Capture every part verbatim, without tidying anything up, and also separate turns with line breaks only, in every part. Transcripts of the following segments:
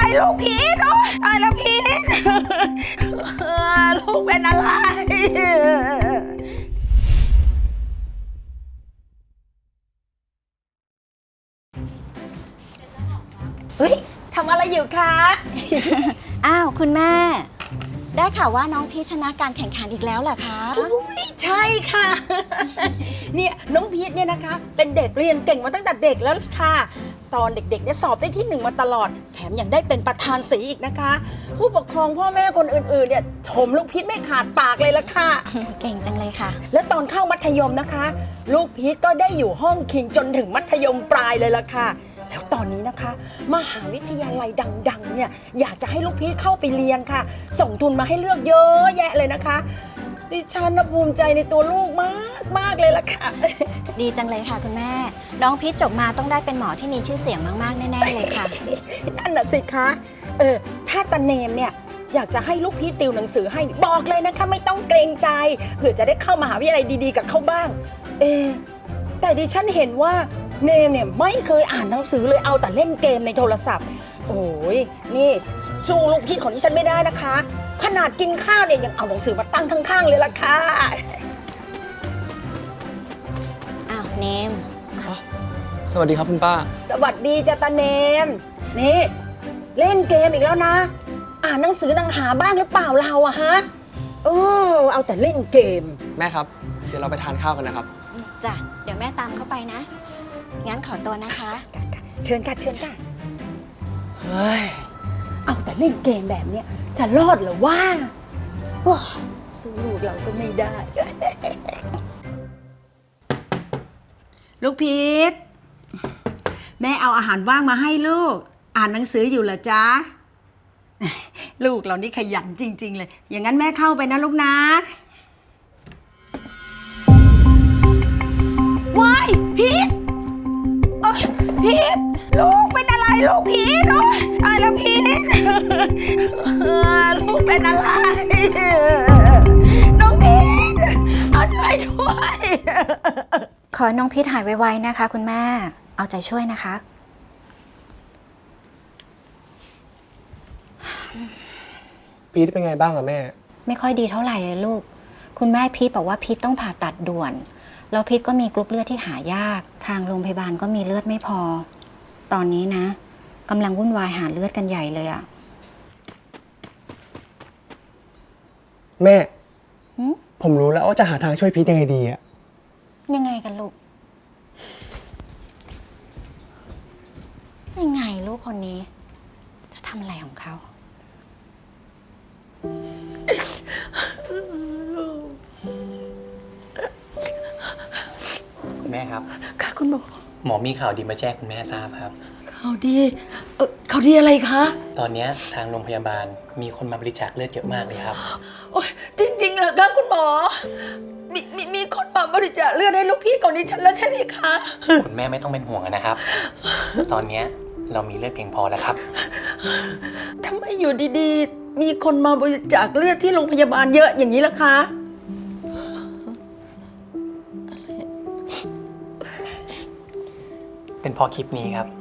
ลูกพีทโอ๊ยตายแล้วพีทลูกเป็นอะไรเฮ้ยทำอะไรอยู่คะ
อ้าวคุณแม่ได้ข่าวว่าน้องพีชชนะการแข่งขันอีกแล้วเหรอคะ
อุ้ยใช่ค่ะ เนี่ยน้องพีทเนี่ยนะคะเป็นเด็กเรียนเก่งมาตั้งแต่เด็กแล้วค่ะตอนเด็กๆเนี่ยสอบได้ที่หนึ่งมาตลอดแถมยังได้เป็นประธานศรีอีกนะคะ ผู้ปกครองพ่อแม่คนอื่นๆเนี่ยชมลูกพีทไม่ขาดปากเลยละค่ะ
เก่งจังเลยค่ะ
และตอนเข้ามัธยมนะคะ ลูกพีทก็ได้อยู่ห้องคิงจนถึงมัธยมปลายเลยละค่ะแล้วตอนนี้นะคะมหาวิทยาลัยดังๆเนี่ยอยากจะให้ลูกพีทเข้าไปเรียนค่ะ ส่งทุนมาให้เลือกเยอะแยะเลยนะคะดิฉันภูมิใจในตัวลูกมากมากเลยล่ะค่ะ
ดีจังเลยค่ะคุณแม่น้องพีชจบมาต้องได้เป็นหมอที่มีชื่อเสียงมากๆแน่ๆเลยค่ะ
นั่นน่ะสิคะเออถ้าตาเนมเนี่ยอยากจะให้ลูกพีทติวหนังสือให้บอกเลยนะคะไม่ต้องเกรงใจเผื่อจะได้เข้ามหาวิทยาลัยดีๆกับเขาบ้างเออแต่ดิฉันเห็นว่าเนมเนี่ยไม่เคยอ่านหนังสือเลยเอาแต่เล่นเกมในโทรศัพท์โอ้ยนี่สู้ลูกพีทของดิฉันไม่ได้นะคะขนาดกินข้าวเนี่ยยังเอาหนังสือมาตั้งข้างๆเลยล่ะค่ะ
อ้าวเนม
สวัสดีครับคุณป้า
สวัสดีจ้าตาเนมนี่เล่นเกมอีกแล้วนะ อ่านหนังสือหนังหาบ้างหรือเปล่าเราอะฮะเออเอาแต่เล่นเกม
แม่ครับ เดี๋ยวเราไปทานข้าวกันนะครับ
จ้ะเดี๋ยวแม่ตามเข้าไปนะงั้นขอตัวนะคะ
เชิญค่ะเชิญค่ะเฮ้ยเอาแต่เล่นเกมแบบเนี้ยจะรอดเหรอว่าว้าสู้ลูกเราก็ไม่ได้ ลูกพีทแม่เอาอาหารว่างมาให้ลูกอ่านหนังสืออยู่เหรอจ๊ะ ลูกเรานี่ขยันจริงๆเลยอย่างนั้นแม่เข้าไปนะลูกนะว้ายพีทโอ๊ยพีทลูกเป็นอะไรลูกพีทโอ๊ยตายแล้วพีทลูกเป็นอะไรน้องพีทเอาช่วยด้วย
ขอให้น้องพีชหายไวๆนะคะคุณแม่เอาใจช่วยนะคะ
พีทเป็นไงบ้างอะแม่
ไม่ค่อยดีเท่าไหร่เลยลูกคุณแม่พีชบอกว่าพีชต้องผ่าตัดด่วนแล้วพีชก็มีกรุ๊ปเลือดที่หายากทางโรงพยาบาลก็มีเลือดไม่พอตอนนี้นะกำลังวุ่นวายหาเลือดกันใหญ่เลยอะ
แม่
หืม
ผมรู้แล้วว่าจะหาทางช่วยพีทยังไงดีอะ
ยังไงกันลูกยังไงลูกคนนี้จะทำอะไรของเขา
คุณแม่ครับ
ค่ะคุณหมอ
หมอมีข่าวดีมาแจ้งคุณแม่ทราบครับ
ข่าวดีเออข่าวดีอะไรคะ
ตอนนี้ทางโรงพยาบาลมีคนมาบริจาคเลือดเยอะมากเลยครับ
โอ๊ยจริงๆเหรอคะคุณหมอมีมีมีคนมาบริจาคเลือดให้ลูกพี่ของดิฉันแล้วใช่ไหมคะ
คุณแม่ไม่ต้องเป็นห่วงนะครับ ตอนนี้เรามีเลือดเพียงพอแล้วครับ
ทำไมอยู่ดีๆ มีคนมาบริจาคเลือดที่โรงพยาบาลเยอะอย่างนี้ล่ะคะ
เป็นเพราะคลิปนี้ครับ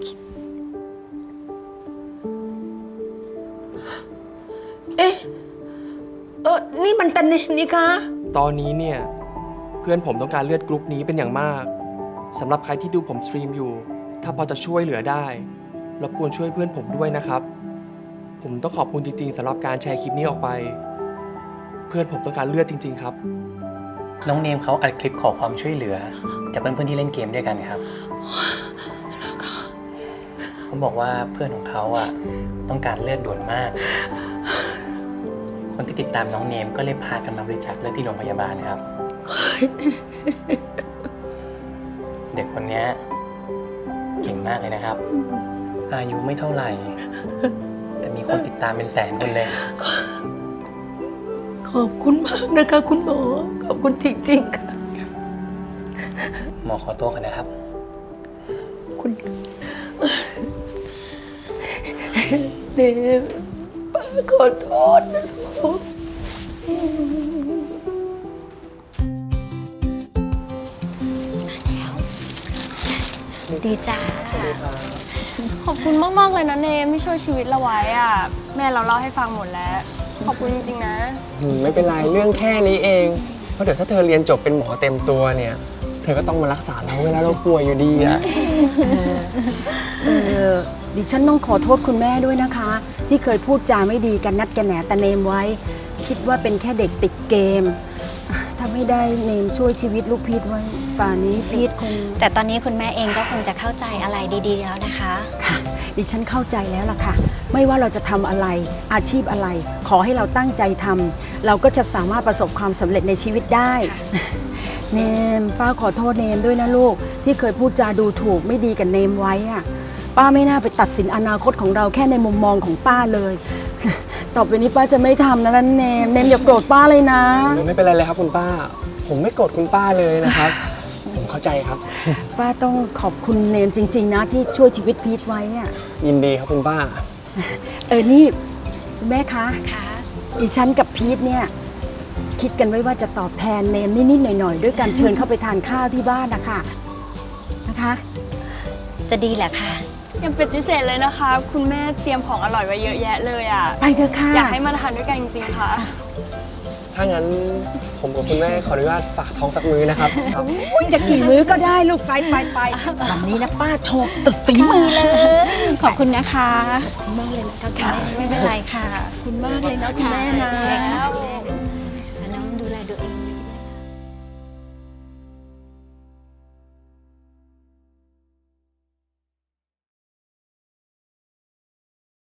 เอ๊ะเออนี่มันตันเนมนี่คะ
ตอนนี้เนี่ย เพื่อนผมต้องการเลือดกรุ๊ปนี้เป็นอย่างมากสำหรับใครที่ดูผมสตรีมอยู่ ถ้าพอจะช่วยเหลือได้รบกวนช่วยเพื่อนผมด้วยนะครับ ผมต้องขอบคุณจริงๆสำหรับการแชร์คลิปนี้ออกไป เพื่อนผมต้องการเลือดจริงๆครับ
น้องเนมเขาอัดคลิปขอความช่วยเหลือจากเพื่อนๆที่เล่นเกมด้วยกันครับเขาบอกว่าเพื่อนของเขาอ่ะต้องการเลือดด่วนมาก คนที่ติดตามน้องเนมก็เลยพากันมาบริจาคเลือดที่โรงพยาบาลครับ เด็กคนนี้เก่งมากเลยนะครับ อายุไม่เท่าไหร่ แต่มีคนติดตามเป็นแสนคนเลย
ขอบคุณมากนะคะคุณหมอ ขอบคุณจริงๆค่ะ
หมอขอตัวก่อนนะครับ
คุณเนมป้าขอโทษนะลูก
ดีจ้า
ขอบคุณมากๆเลยนะเนมที่ช่วยชีวิตเราไว้อะแม่เราเล่าให้ฟังหมดแล้ว ขอบคุณจริงๆนะ
อืมไม่เป็นไรเรื่องแค่นี้เอง เพราะเดี๋ยวถ้าเธอเรียนจบเป็นหมอเต็มตัวเนี่ย เธอก็ต้องมารักษาเราเวลาเราป่วยอยู่ดีอะ
เออดิฉันต้องขอโทษคุณแม่ด้วยนะคะ ที่เคยพูดจาไม่ดีกันนัดกันแหนตะเนมไว้ คิดว่าเป็นแค่เด็กติดเกม ถ้าไม่ได้เนมช่วยชีวิตลูกพีทไว้ ป่านนี้พีทคง
แต่ตอนนี้คุณแม่เองก็คงจะเข้าใจอะไรดีๆแล้วนะคะ
ค่ะ ดิฉันเข้าใจแล้วล่ะค่ะ ไม่ว่าเราจะทำอะไรอาชีพอะไร ขอให้เราตั้งใจทำเราก็จะสามารถประสบความสำเร็จในชีวิตได้ เนมป้าขอโทษเนมด้วยนะลูก ที่เคยพูดจาดูถูกไม่ดีกับเนมไว้อะป้าไม่น่าไปตัดสินอนาคตของเราแค่ในมุมมองของป้าเลย ต่อไปนี้ป้าจะไม่ทำนะนั่นเนมเนมอย่าโกรธป้าเลยนะ
ไม่เป็นไรเลยครับคุณป้า ผมไม่โกรธคุณป้าเลยนะครับ ผมเข้าใจครับ
ป้าต้องขอบคุณเนมจริง ๆ นะที่ช่วยชีวิตพีทไว้อะ
ยินดีครับคุณป้า
เออนี่คุณแม่คะ
ค่ะ
อีฉันกับพีทเนี่ยคิดกันไว้ว่าจะตอบแทนเนมนิดๆหน่อยๆด้วยการเชิญเข้าไปทานข้าวที่บ้านนะคะนะคะ
จะดีแหละค่ะ
อย่าปฏิเสธเลยนะคะ คุณแม่เตรียมของอร่อยไว้เยอะแยะเลยอะ
ไปเถอะค่ะ
อยากให้มาทานด้วยกันจริงๆค่ะ
ถ้างั้นผมกับคุณแม่ขออนุญาตฝากท้องสักมื้อนะครับ
อุ๊ยจะกี่มื้อก็ได้ลูกไปไปไปวันนี้นะป้าโชว์ตึกฝีมือเลย
ขอบคุณนะคะ
ขอบคุณมากเลยนะคะคุณ
ค่ะ
แม่
ไม่เป็นไรค่ะ
ขอบคุณมากเลยนะคุณแม่นะ
ค่ะ